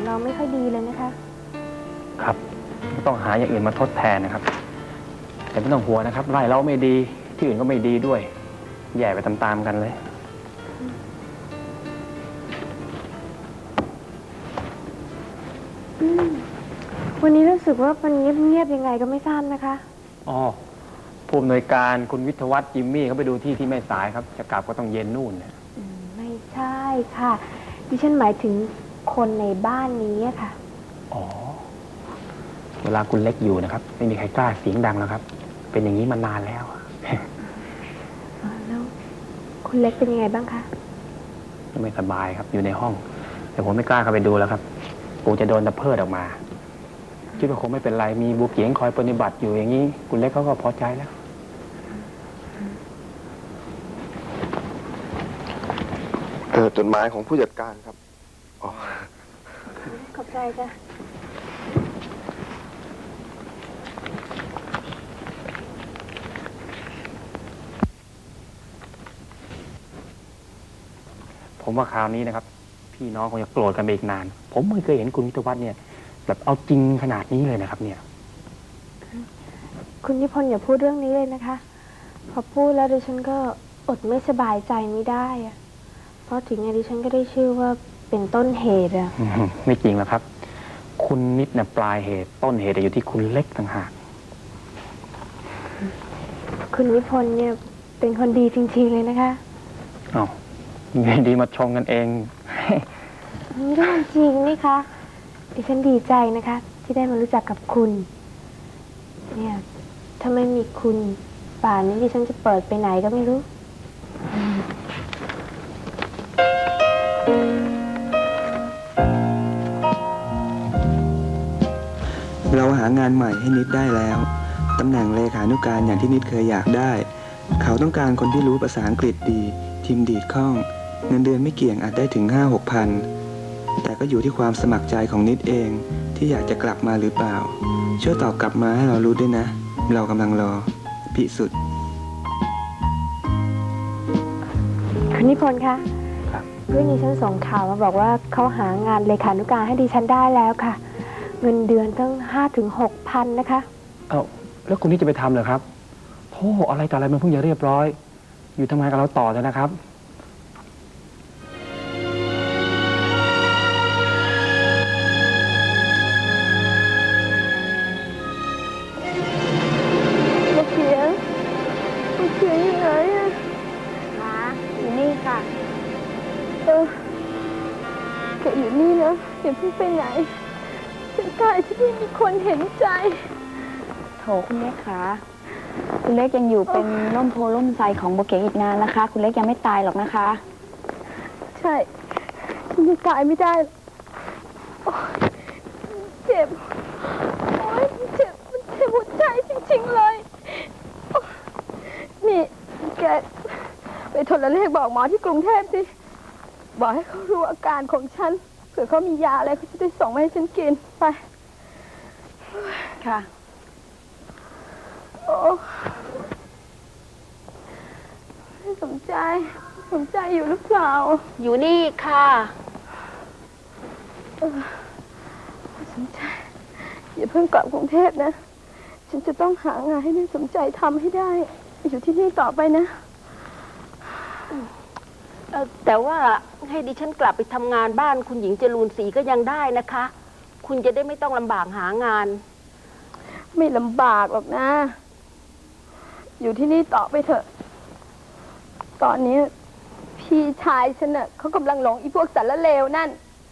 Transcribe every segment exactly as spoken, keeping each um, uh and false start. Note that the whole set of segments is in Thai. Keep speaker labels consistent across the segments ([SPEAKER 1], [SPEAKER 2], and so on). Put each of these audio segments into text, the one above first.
[SPEAKER 1] เราไม่ค่อยดีเลยนะคะ
[SPEAKER 2] ครับต้องหาอย่างอื่นมาทดแทนนะครับแต่ไม่ต้องห่วงนะครับไร่เราไม่ดีที่อื่นก็ไม่ดีด้วยแย่ไปตามๆกันเลย
[SPEAKER 1] วันนี้รู้สึกว่ามันเงียบๆยังไงก็ไม่ทราบนะคะ
[SPEAKER 2] อ๋อผู้อำนวยการคุณวิทยวัฒน์จิมมี่เขาไปดูที่ที่แม่สายครับจะกลับก็ต้องเย็นนู่นเนี่ย
[SPEAKER 1] ไม่ใช่ค่ะดิฉันหมายถึงคนในบ้านนี้ค่ะ
[SPEAKER 2] อ๋อเวลาคุณเล็กอยู่นะครับไม่มีใครกล้าเสียงดังแล้วครับเป็นอย่างนี้มานานแล้ว
[SPEAKER 1] แล้วคุณเล็กเป็นยังไงบ้างคะ
[SPEAKER 2] ไม่สบายครับอยู่ในห้องแต่ผมไม่กล้าเข้าไปดูแล้วครับกูจะโดนตะเพิดออกมาคิดว่าคงไม่เป็นไรมีบุกเกียงคอยปฏิบัติอยู่อย่างนี้คุณเล็กเขาก็พอใจแล้ว
[SPEAKER 3] เออจดหมายของผู้จัดการครับอ๋อ
[SPEAKER 1] ขอบใจจ้ะ
[SPEAKER 2] ผมว่าคราวนี้นะครับพี่น้องคงจะโกรธกันไปอีกนานผมไม่เคยเห็นคุณวิทยวัฒน์เนี่ยแบบเอาจริงขนาดนี้เลยนะครับเนี่ย
[SPEAKER 1] คุณนิพนธ์อย่าพูดเรื่องนี้เลยนะคะพอพูดแล้วดิฉันก็อดไม่สบายใจไม่ได้อะเพราะถึงไงดิฉันก็ได้ชื่อว่าเป็นต้นเหตุอะ
[SPEAKER 2] ไม่จริงหรอกครับคุณนิดเนี่ยปลายเหตุต้นเหตุอยู่ที่คุณเล็กต่างหาก
[SPEAKER 1] คุณนิพนธ์เนี่ยเป็นคนดีจริงๆเลยนะคะ
[SPEAKER 2] อ้าวดีมาชมกันเอง
[SPEAKER 1] เรื่องจริงนี่คะดิฉันดีใจนะคะที่ได้มารู้จักกับคุณเนี่ยถ้าไม่มีคุณป่านนี้ดิฉันจะเปิดไปไหนก็ไม่รู้
[SPEAKER 4] เราหางานใหม่ให้นิดได้แล้วตำแหน่งเลขานุการอย่างที่นิดเคยอยากได้เขาต้องการคนที่รู้ภาษาอังกฤษดีพิมพ์ดีดคล่องเงินเดือนไม่เกี่ยงอาจได้ถึง ห้าหก พันแต่ก็อยู่ที่ความสมัครใจของนิดเองที่อยากจะกลับมาหรือเปล่าช่วยตอบกลับมาให้เรารู้ด้วยนะเรากำลังรอพิสุทธิ์
[SPEAKER 1] คุณนิพนธ์คะเรื่องนี้ฉันส่งข่าวมาบอกว่าเขาหางานเลขานุการให้ดิฉันได้แล้วค่ะเงินเดือนตั้งห้าถึงหกพันนะคะ
[SPEAKER 2] เอ้าแล้วคุณนี่จะไปทำเหรอครับโธ่อะไรต่ออะไรมันเพิ่งจะเรียบร้อยอยู่ทำงานกับเราต่อเลยนะครับ
[SPEAKER 1] ลูกเขียนลูกเขียนอยู่ไหนอะคะอยู่นี่ค่ะเออแกอยู่นี่นะอย่าเพิ่งไปไหนฉันตายที่นี่มีคนเห็นใจ
[SPEAKER 5] โถคุณเล็กคะคุณเล็กยังอยู่เป็นร่มโพล่มไทรของโบเก๋อีกนานนะคะคุณเล็กยังไม่ตายหรอกนะคะ
[SPEAKER 1] ใช่ฉันยังตายไม่ได้เจ็บโอ๊ยเจ็บมันเจ็บหัวใจจริงๆเลยนี่แกไปโทรเลขบอกหมอที่กรุงเทพสิบอกให้เขารู้อาการของฉันเผื่อเขามียาอะไรเขาจะได้ส่งมาให้ฉันกินไป
[SPEAKER 5] ค่ะ
[SPEAKER 1] โอ้สนใจสนใจอยู่หรือเปล่า
[SPEAKER 5] อยู่นี่ค่ะ
[SPEAKER 1] สนใจอย่าเพิ่งกลับกรุงเทพนะฉันจะต้องหางานให้แม่สนใจทำให้ได้อยู่ที่นี่ต่อไปนะ
[SPEAKER 6] แต่ว่าให้ดิฉันกลับไปทำงานบ้านคุณหญิงจรูนศรีก็ยังได้นะคะคุณจะได้ไม่ต้องลำบากหางาน
[SPEAKER 1] ไม่ลำบากหรอกนะอยู่ที่นี่ต่อไปเถอะตอนนี้พี่ชายฉันน่ะเขากำลังหลงอีพวกสารเลวนั่น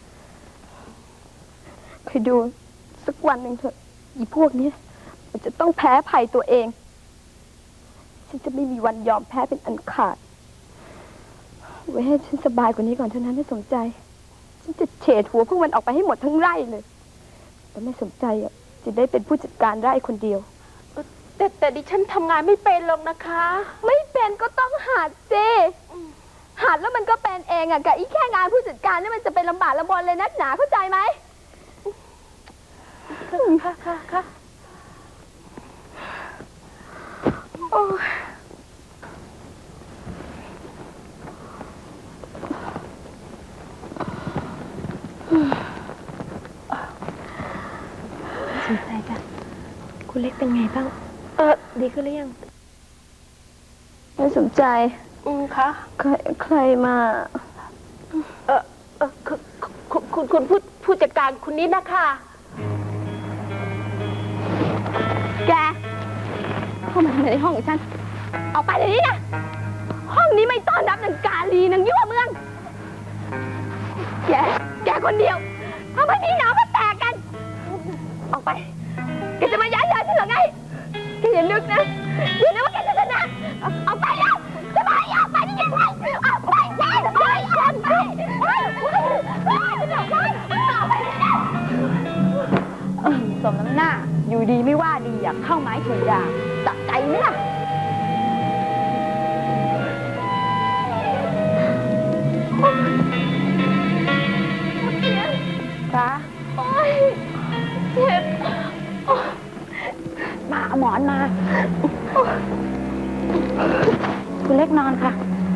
[SPEAKER 1] คอยดูสักวันหนึ่งเถอะอีพวกนี้มันจะต้องแพ้ภัยตัวเองฉันจะไม่มีวันยอมแพ้เป็นอันขาดไว้ให้ฉันสบายกว่านี้ก่อนเท่านั้นไม่สนใจฉันจะเฉดหัวพวกมันออกไปให้หมดทั้งไร่เลยแต่ไม่สนใจอ่ะจะได้เป็นผู้จัดการไร่คนเดียว
[SPEAKER 6] แต่แต่ดิฉันทำงานไม่เป็นหรอกนะคะ
[SPEAKER 1] ไม่เป็นก็ต้องหัดสิหัดแล้วมันก็เป็นเองอ่ะกับอีแค่งานผู้จัดการนี่มันจะเป็นลำบากลำบนเลยนักหนาเข้าใจไหม
[SPEAKER 6] ค่ะค่ะค่ะ
[SPEAKER 1] โอ้คุณเล็กเป็นไงบ้าง
[SPEAKER 6] เออดีขึ้นหรือยัง
[SPEAKER 1] ไม่สนใจ
[SPEAKER 6] อืมคะ
[SPEAKER 1] ใครใครมา
[SPEAKER 6] เออเออคือคุณคุณคุณผู้ผู้จัดการคุณนิดนะคะ
[SPEAKER 1] แก เข้ามาทำไมในห้องของฉัน ออกไปเดี๋ยวนี้นะ ห้องนี้ไม่ต้อนรับนางกาลีนางยั่วเมือง แก แกคนเดียวทำไมพี่น้องก็แตกกัน ออกไป แกจะมาย้ายยายฉันเหรอไง แกอย่านึกนะ อย่านึกว่าแกจะชนะเอาออกไปนะจะมาให้ออกไปได้ยังไงออกไปแกจะมาให้ออกไปออกไปออกไปนะ
[SPEAKER 5] สมน้ำหน้า อยู่ดีไม่ว่าดีอยากเข้าไม้ถูกด่าตักใจไหมล่ะ
[SPEAKER 1] จ้าโอ๊ยเจ็บ
[SPEAKER 5] มาเอาหมอนมา คุณเล็กนอนค่ะ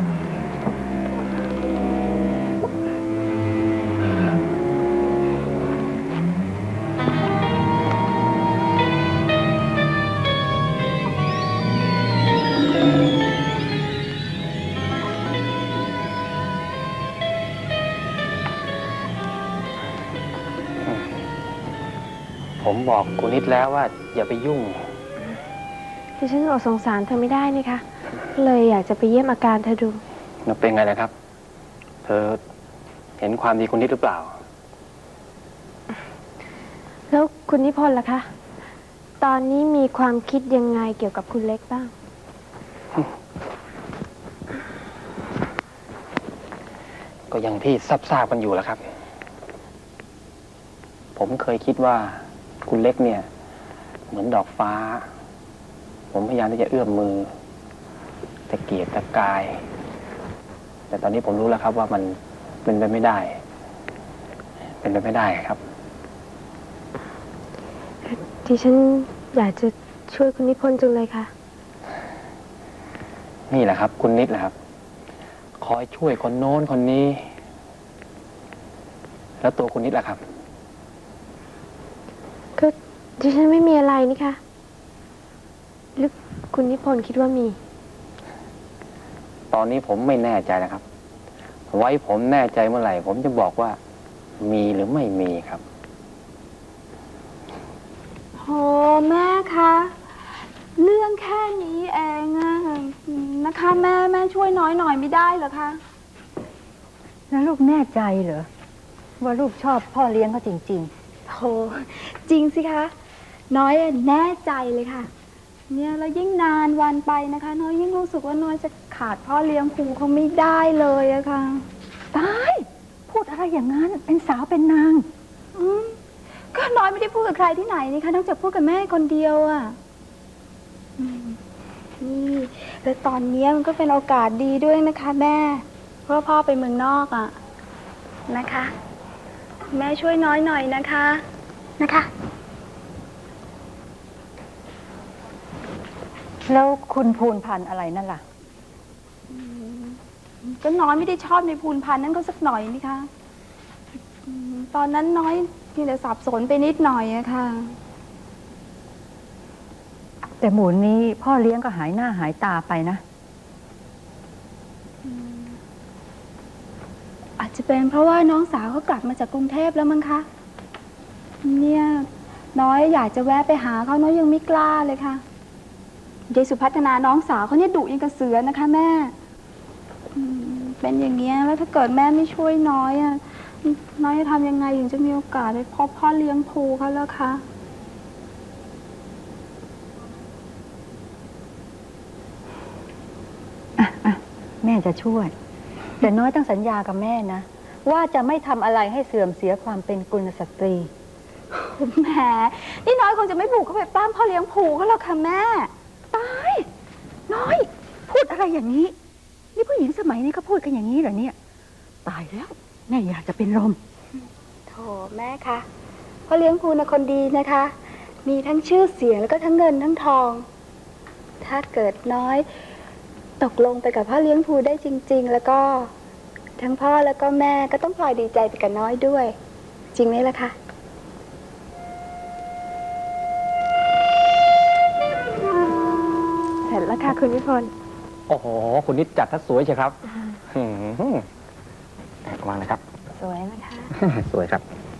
[SPEAKER 2] ผมบอกคุณนิดแล้วว่าอย่าไปยุ่ง
[SPEAKER 7] ดิฉันอดสงสารเธอไม่ได้นี่คะเลยอยากจะไปเยี่ยมอาการเธอดู
[SPEAKER 2] มันเป็นไงนะครับ เธอเห็นความดีคุณนิดหรือเปล่า
[SPEAKER 7] แล้วคุณนิพนธ์ล่ะคะ ตอนนี้มีความคิดยังไงเกี่ยวกับคุณเล็กบ้าง
[SPEAKER 2] ก็อย่างที่ทราบๆกันอยู่แล้วครับ ผมเคยคิดว่าคุณเล็กเนี่ย เหมือนดอกฟ้า ผมพยายามที่จะเอื้อมมือตะเกียกตะกาย แต่ตอนนี้ผมรู้แล้วครับว่ามันเป็นไปไม่ได้ เป็นไปไม่ได้ครับ
[SPEAKER 7] ที่ฉันอยากจะช่วยคุณนิพนธ์จังเลยค่ะ
[SPEAKER 2] นี่แหละครับ คุณนิดแหละครับ คอยช่วยคนโน้นคนนี้ แล้วตัวคุณนิดล่ะครับ
[SPEAKER 7] ก็ดิฉันไม่มีอะไรนี่คะหรือคุณนิพนธ์คิดว่ามี
[SPEAKER 2] ตอนนี้ผมไม่แน่ใจนะครับ ไว้ผมแน่ใจเมื่อไหร่ ผมจะบอกว่ามีหรือไม่มีครับ
[SPEAKER 1] โหแม่คะ เรื่องแค่นี้เองอะนะคะแม่แม่ช่วยน้อยหน่อยไม่ได้เหรอคะ
[SPEAKER 8] แล้วลูกแน่ใจเหรอว่าลูกชอบพ่อเลี้ยงเขาจริง
[SPEAKER 1] โหจริงสิคะ น้อยแน่ใจเลยค่ะ เนี่ยแล้วยิ่งนานวันไปนะคะ น้อยยิ่งรู้สึกว่าน้อยจะขาดพ่อเลี้ยงครูเขาไม่ได้เลยอะค่ะ
[SPEAKER 8] ๆ ตาย พูดอะไรอย่างนั้น เป็นสาวเป็นนาง
[SPEAKER 1] อืมก็น้อยไม่ได้พูดกับใครที่ไหนนี่คะนอกจากพูดกับแม่คนเดียวอะอืมนี่แล้วตอนนี้มันก็เป็นโอกาสดีด้วยนะคะ แม่ เพราะว่าพ่อไปเมืองนอกอะนะคะ แม่ช่วยน้อยหน่อยนะคะนะคะ
[SPEAKER 8] แล้วคุณภูนพันธ์อะไรนั่นล่ะ
[SPEAKER 1] ก็น้อยไม่ได้ชอบในภูนพันธ์นั่นก็สักหน่อยนี่คะอืมตอนนั้นน้อยเพียงแต่สับสนไปนิดหน่อยอะค่ะ
[SPEAKER 8] แต่หมูนี้พ่อเลี้ยงก็หายหน้าหายตาไปนะ
[SPEAKER 1] อาจจะเป็นเพราะว่าน้องสาวเขากลับมาจากกรุงเทพแล้วมั้งคะเนี่ยน้อยอยากจะแวะไปหาเขาน้อยยังไม่กล้าเลยค่ะยายสุพัฒนาน้องสาวเขาเนี่ยดุยังกระเสือนะคะแม่อืมเป็นอย่างเงี้ยแล้วถ้าเกิดแม่ไม่ช่วยน้อยอะน้อยจะทำยังไงถึงจะมีโอกาสได้พบพ่อเลี้ยงภูเขาแล้วคะ
[SPEAKER 8] อ่ะอ่ะแม่จะช่วย แต่น้อยต้องสัญญากับแม่นะ ว่าจะไม่ทำอะไรให้เสื่อมเสียความเป็นกุลสตรี
[SPEAKER 1] แหมนี่น้อยคงจะไม่บุกเข้าไปปล้ำพ่อเลี้ยงภูเขาหรอกค่ะแม่
[SPEAKER 8] ตาย น้อย พูดอะไรอย่างนี้ นี่ผู้หญิงสมัยนี้เขาพูดกันอย่างนี้เหรอเนี่ย ตายแล้ว แม่อยากจะเป็นลม
[SPEAKER 1] โถแม่คะพ่อเลี้ยงภูนะคนดีนะคะ มีทั้งชื่อเสียงแล้วก็ทั้งเงินทั้งทอง ถ้าเกิดน้อยตกลงไปกับพ่อเลี้ยงภูได้จริง ๆ แล้วก็ ทั้งพ่อแล้วก็แม่ก็ต้องพลอยดีใจไปกับน้อยด้วย จริงไหมล่ะคะ
[SPEAKER 7] ร็จแล้วค่ะ คุณนิพนธ์
[SPEAKER 2] โอ้โห คุณนิดจัดทัดสวยใช่ครับหืมวางเลยครับ
[SPEAKER 5] สวยนะคะ
[SPEAKER 2] สวยครับ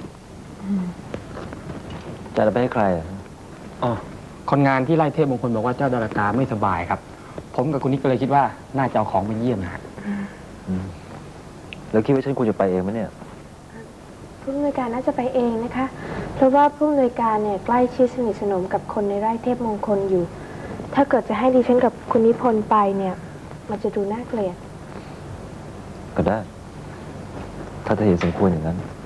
[SPEAKER 9] จะเอาไปให้ใครอ่ะ
[SPEAKER 2] อ๋อ คนงานที่ไร่เทพมงคลบอกว่าเจ้าดาราตาไม่สบายครับ ผมกับคุณนิดก็เลยคิดว่าน่าจะเอาของไปเยี่ยมนะฮะ
[SPEAKER 9] อืมแล้วคิดว่าฉันควรจะไปเองไหมเนี่ย
[SPEAKER 7] ผู้อำนวยการน่าจะไปเองนะคะ เพราะว่าผู้อำนวยการเนี่ยใกล้ชิดสนิทสนมกับคนในไร่เทพมงคลอยู่ ถ้าเกิดจะให้ดิฉันกับคุณนิพนธ์ไปเนี่ย มันจะดูน่าเกลียด
[SPEAKER 9] ก็ได้ ถ้าเธอเห็นสมควรอย่างนั้น
[SPEAKER 7] อ